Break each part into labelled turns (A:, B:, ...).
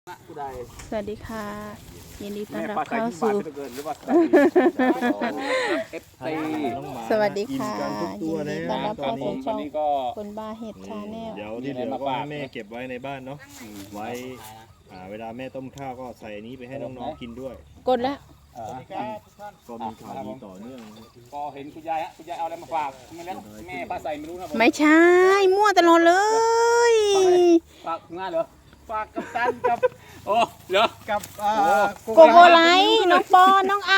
A: สวัสดีค่ะยินดีต้อนรับเข้าสู่สวัสดีค่ะยินดีต้อนรับเข้าสู่ช่องคนบ้าเห็ดชาแนล
B: เดี๋ยวที่เหลือก็ให้แม่เก็บไว้ในบ้านเนาะไว้เวลาแม่ต้มข้าวก็ใส่อันนี้ไปให้น้องๆกินด้วย
A: กดแล้ว
B: ก็มีข่าวดีต่อเนื่อง
C: ก็เห็นคุณยายเอาอะไรมาฝากไม่แล้วแม่ป้าใส่ไม่รู้นะผม
A: ไม่ใช่มั่วตลอดเลย
C: ฝากงานเหรอฝากกับตันกับโอ้เหรอกับ
A: โกโกไลน้องปอนน้องไอ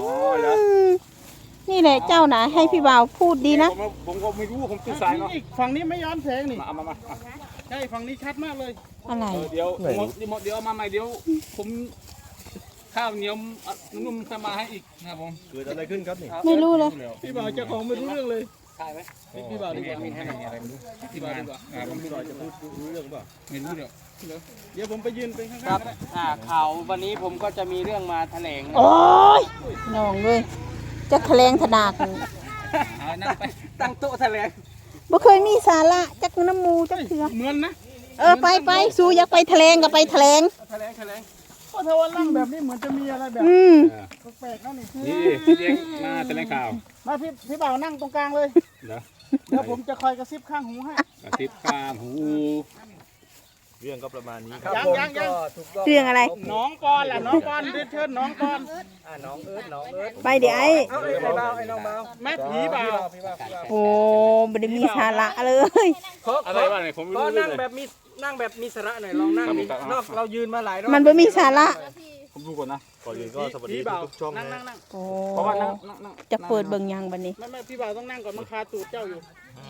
A: นี่แหละเจ้านะให้พี่บ่าวพูดดีนะ
C: ผมก็ไม่รู้ผมตื่นสายเนาะ
D: ฝั่งนี้ไม่ย้อนแสงนี่
C: มา
D: ใช่ฝั่งนี้ชัดมากเลย
A: อะไร
C: เดี๋ยวเอามาใหม่เดี๋ยวผมข้าวเหนียวนุ่มๆมาให้อีกนะครับผม
B: เกิดอะไรขึ้นครับนี่
A: ไม่รู้เลย
D: พี่บ่าวเจ้าของไม่รู้เรื่องเลย
C: ใช่ไหม
D: พี่บ่าวดีกว่า
C: มีให้อะไรไม่รู้ที่บ้านดีกว่าผม
B: พี่หน่อยจะพูดรู้เรื่องเปล่า
C: ไม่รู้เดี๋ยว
D: เดี๋ยวผมไปยืนเป็นข้างๆ
E: ครับ
D: ก็ได้
E: ข่าววันนี้ผมก็จะมีเรื่องมาแถลง
A: โอ้ยน้องเลยจะแถลงถดาก
C: เอานั่งไป
E: ตั้งโต๊ะแถลง
A: บ่เคยมีสาระจักน้ำมูจักเถื่อ
D: เหมือนนะ
A: ไปสู้อยากไปแถลงก็ไปแถลง
D: แถลงเพราะถ้าวันนั่งแบบนี้เหมือนจะมีอะไรแบบ
A: อืม
D: แปลกๆนั่นนี่
C: นี่เลี้ยงมาแถลงข่าว
D: มาพี่บ่าวนั่งตรงกลางเลย
C: เหรอ
D: เดี๋ยวผมจะคอยกระซิบข้างหูให้
C: กระติบข้ามหู
B: เรื่องก็ประมาณนี้
D: ยัง
A: เรื่องอะไร
D: น้องปอนล่ะน้องปอนเรียนเชิญน้องปอน
E: น้องเอิร์ธ
A: ไปเดี๋ยวไอ้
E: ไอ้เบาไอ้น้องเบา
D: แม่ผีบ่าว
A: โอ้ไม่ได้มีสาระเลย
C: อะไรวะเนี่ยผมไม่
E: ก็
C: รู้เล
E: นั่
C: ย
E: งแบบมีสาระหน่อยลองนั่งดินอกเรายืนมาหลายรอบ
A: มันไม่มีสาระ
C: ผมดูก่อนนะ
B: ก่อนอื่นก็สวัสดีทุกช่อง
D: นั่ง
B: นะ
A: โอ้
C: เพราะว่านั่ง
A: จะเปิดเบิ่งยังบัดนี้
D: ไม่พี่บ่าวต้องนั่งก่อนมันคาตูดเจ้าอยู่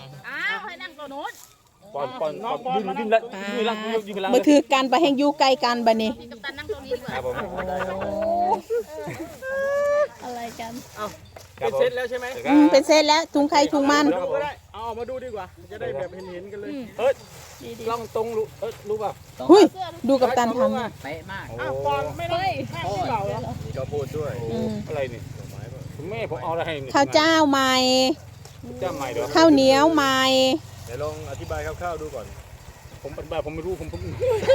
C: ปอนยืนแล้วยืนหลัง
A: บ่ถือกันไปแห่งอยู่ใกล้กันบัดนี้
C: ครับผม
A: อะไรกัน
E: เป็นเสร็จแล้วใช่ไหม
A: เป็นเซตแล้วถุงใครถุงมัน
D: ดูก็ได้เอาออกมาดูดีกว่า จะได้แบบเห็นกันเลย
C: กล้องตรงรู้ป่ะ
A: หุยดูกับตันท
D: อ้าวปอนไม่ได้ข้างพี่บ่าวเหรอ
B: มีข้าวโพดด้วย
A: ำ
C: อะไรนี่คุณแม่ผมเอาอะไรให้
A: ข้าวเจ้าใหม่
C: เจ้าใหม่เดี๋ยว
A: ข้าวเหนียวใหม่
B: เดี๋ยวลองอธิบายคร่าวๆดูก่อน
C: ผมเป็นแบบผมไม่รู้ผมเพิ่ง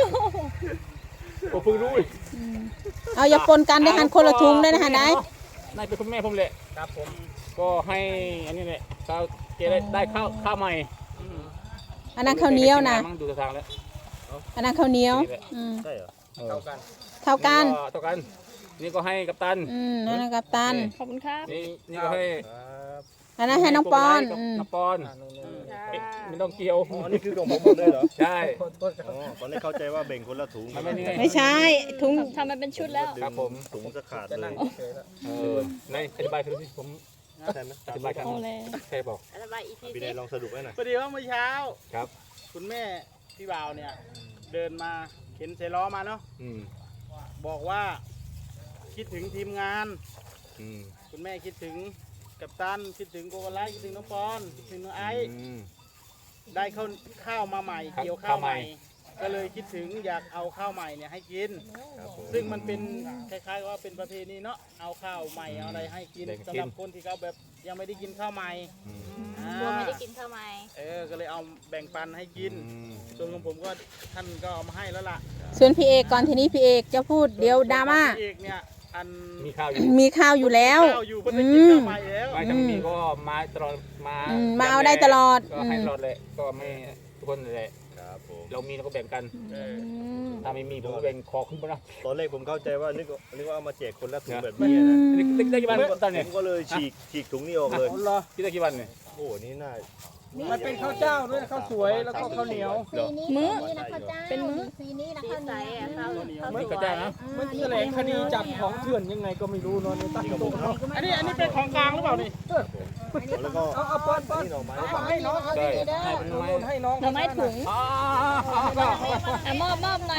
C: รู้
A: เอาอย่าปนกันได้หันคนละถุงได้นะฮะนาย
C: นายเป็นคุณแม่ผมแหละ
E: ครับผม
C: ก็ให้อันนี้แหละข้าวเกได้ข้าวใหม่
A: อันนั้นข้าวเหนียวนะ
C: ดูทางแล้ว
A: อันนั้นข้าวเหนียว
B: ใช่เหรอ
C: เท่า
A: เท่ากัน
C: เท่ากันนี่ก็ให้กัปตัน
A: อันนั้นกับตัน
C: นี่ก็ให้
B: ครับ
A: อันนั้นให้น้องปอน
C: น้องปอนไม่ต้องเกี่ยว
B: อ๋อนี่คือของผมหมดเลยเหรอ
C: ใช่
B: อ๋อตอนแรกเข้าใจว่าแบ่งคนละถุง
C: ไม่นี่
A: ไม่ใช่ถุง
F: ทำมันเป็นชุดแล้ว
C: ครับผม
B: ถุงจะขาดเลย
C: ในอธิบายคือผม
B: ใช่ไหม
C: อธิบายกันใช่บอก
B: พี่นายลองสรุปให้หน่อย
D: พอดีว่าเมื่อเช้า
C: ครับ
D: คุณแม่พี่บ่าวเนี่ย เดินมาเข็นเซล้อมาเนาะ บอกว่าคิดถึงทีมงาน คุณแม่คิดถึงกัปตันคิดถึงโกโกไลคิดถึงน้องปอนคิดถึงน้องไอซ์ได้ข้าวมาใหม่เกี่ยวข้าวใหม่ ก็เลยคิดถึงอยากเอาข้าวใหม่เนี่ยให้กิน ซึ่งมันเป็นคล้ายๆว่าเป็นประเพณีเนาะเอาข้าวใหม่เอาอะไรให้กินสำหรับคนที่เขาแบบยังไม่ได้กินข้าวใหม่
F: กลัวไม่ได้กินทำไม
D: ก็เลยเอาแบ่งปันให้กินส่วนของผมก็ท่านก็เอามาให้แล้วล่ะ
A: ส่วนพี่เอกก่อนทีนี้พี่เอกจะพูดเดี๋ยวดราม่า
D: พี่เอกเนี่ยอัน
C: มีข้าวอยู่
A: มีข้าวอยู่แล้ว
D: ข้าวอยู่เพิ่นได้กินข้าวใหม่แล้ว
C: ไม่ถ้ามีก็มาตลอดมา
A: มาเอาได้ตลอด
C: ก็ให้ตลอดเลยก็ไม่ทุกคนเลย
B: ครับผม
C: เรามีเราก็แบ่งกันถ้าไม่มีผมก็แบ่งขอขึ้นไปนะ
B: ตอนแรกผมเข้าใจว่านึกว่าเอามาแจกคนละถุงแบบนี้นะ
C: นี่ได้กี่วันตอน
B: ผ
C: นี้
B: มก็เลยฉีกถุงนี้ออกเลย
C: คิดได้กี่วันเนี่ย
B: โอ้นี่น่า
D: มันเป็นข้าวเจ้าด้วยข้าวสวยแล้วก็ข้าวเหนียว
F: มื้อ
A: เป็นมื้อ
F: สีนี้นะข้าวเหนียวข้าวเหนียว
C: นี่ก็ได้นะ
D: มันแถลงคดีจับของเถื่อนยังไงก็ไม่รู้เนาะในตั้งโต๊ะเนาะอันนี้เป็นของกลางหรือเปล่านี่
B: แล้วก็
D: เอาป้อน
B: นี่หน่อไม้
D: ให้น้องเขา
C: ได้
D: ให้น้องให้น้อง
F: หน่อไม้ถุงมอบหน่อย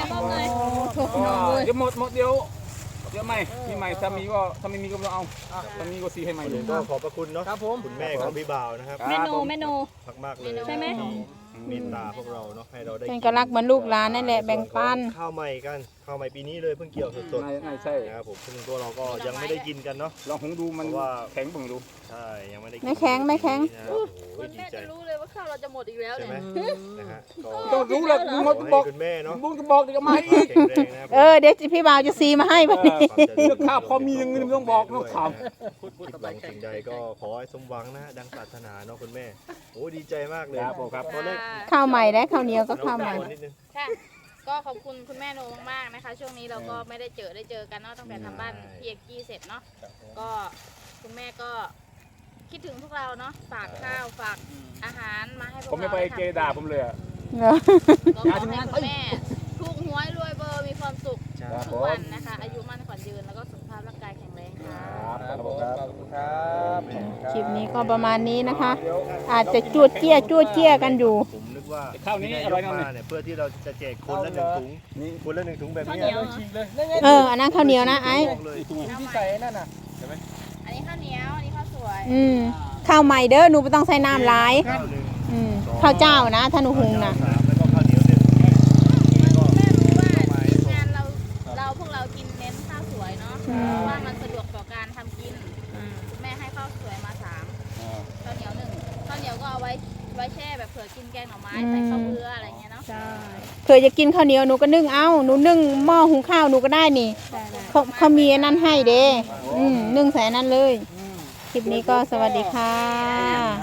C: เดี๋ยวหมดเดี๋ยวไม่มีใหม่ถ้ามีก็ถ้าไม่มีก็ไม่เอาถ้ามีก็ซีให้ใหม่เลย
B: ก็ขอบพระคุณเนาะ
D: ครับผม
B: คุณแม่ของพี่บ่าวนะครับ
F: เมนู
B: มากๆเลย
F: ใช่ไหม
B: ที่เมตตาพวกเราเนาะให้เราได้
A: เป็นก็รักเหมือนลูกหลานนั่นแหละแบ่งปัน
B: ข้าวใหม่กันเข้ามาปีนี้เลยเพิ่งเกี่ยวสด
C: ไม่ใช่
B: ๆนะครับผมซึ่งตัวเราก็ยังไม่ได้กินกันเนาะ
C: ลองหุงดูมันแข็งเบิ่งดู
B: ใช่ยังไม่ได้กิน
A: ไม่แข็งไม่แข็ง
B: นะครับโอ้โห
F: คุณ
B: ดี
F: แม่
B: ใจ
F: จะรู้เลยว่าข้าวเราจะหมดอีกแล้ว
B: ใช่
F: เนี่ย
B: ไหมนะฮะก็
C: ต้องรู้เลยดู
B: ข
C: มั
B: อน
C: บ
B: ให้
C: อก
B: คุณแม่เนาะ
C: บุญก็บอกเดี๋ยวมาอีก
B: แข็งแรงนะครับ
A: เดี๋ยวพี่บ่าวจะซีมาให้ไปนี่
C: เรื่องข้าวพอมีเงินไม่ต้องบอกต้องถาม
B: คิดหวังสิ่งใดก็ขอให้สมหวังนะดังปรารถนาเนาะคุณแม่โอ้ดีใจมากเลย
C: ครับผมครับ
B: ตัวเล็ก
A: ข้าวใหม่และข้าวเหนียวก็ข้าวใหม่
B: นิดนึง
F: ค่ะก็ขอบคุณคุณแม่โนมากๆนะคะ ช่วงนี้เราก็ไม่ได้เจอกันเนาะตั้งแต่ทำบ้านพี่เอกกี้เสร็จเนาะก็คุณแม่ก็คิดถึงพวกเราเนาะฝากข้าวฝากอาหารมาให้พวกเรา
C: ผมไม่ไปเกด่าผมเลย
F: ก็ขอให้คุณแม่ถูกหวยรวยเบอร์มีความสุข ทุกวันนะคะ อายุมั่นขวัญยืนแล้วก็สุขภาพร่างกายแข็งแรงค่ะ
C: ครับผมครับ
A: คลิปนี้ก็ประมาณนี้นะคะ อาจจะจวดเจี้ยกันอยู่
B: ผมนึกว่า
C: ข้าวนี้
B: ที่
C: อร่อย
B: ยก
C: นะ
B: มาเนี่ยเพื่อที่เราจะแจกคนละหนึ่งถุงคนละหนึ่งถุงแบบนี้
E: ฉีกเลยนี่ไง
A: อันนั้นข้าวเหนียวนะไอ้
B: บอกเลย
E: ที่ใส่นั่นน่ะ
F: อันนี้ข้าวเหนียวอันนี้ข้าวสวย
A: ข้าวใหม่เด้อหนูไม่ต้องใส่น้ำหลาย
B: ข้าวหนึ่ง
A: ข้าวเจ้านะถ้าหนูหุงนะ
B: สามแล้วก็ข้าวเหนียวหนึ่งแล้วก็
F: แม่รู้ว่าทีมงานพวกเรากินเน้นข้าวสวยเนาะเพราะว่ามันสะดวกต่อการทำกินคุณแม่ให้ข้าวสวยมา3ข้าวเหนียว1ข้าวเหนียวก็เอาไว้แช่แบบเผื่อกินแกงหน่อไม้ใส่ข้าวเบื่ออะไรเงี้ยเนาะ
A: เผื่อจะกินข้าวเหนียวหนูก็นึ่งเอาหนูนึ่งหม้อหุงข้าวหนูก็ได้นี่เขามีอันนั้นให้เด้นึ่งใส่อันนั้นเลย คลิปนี้ก็สวัสดีค่ะ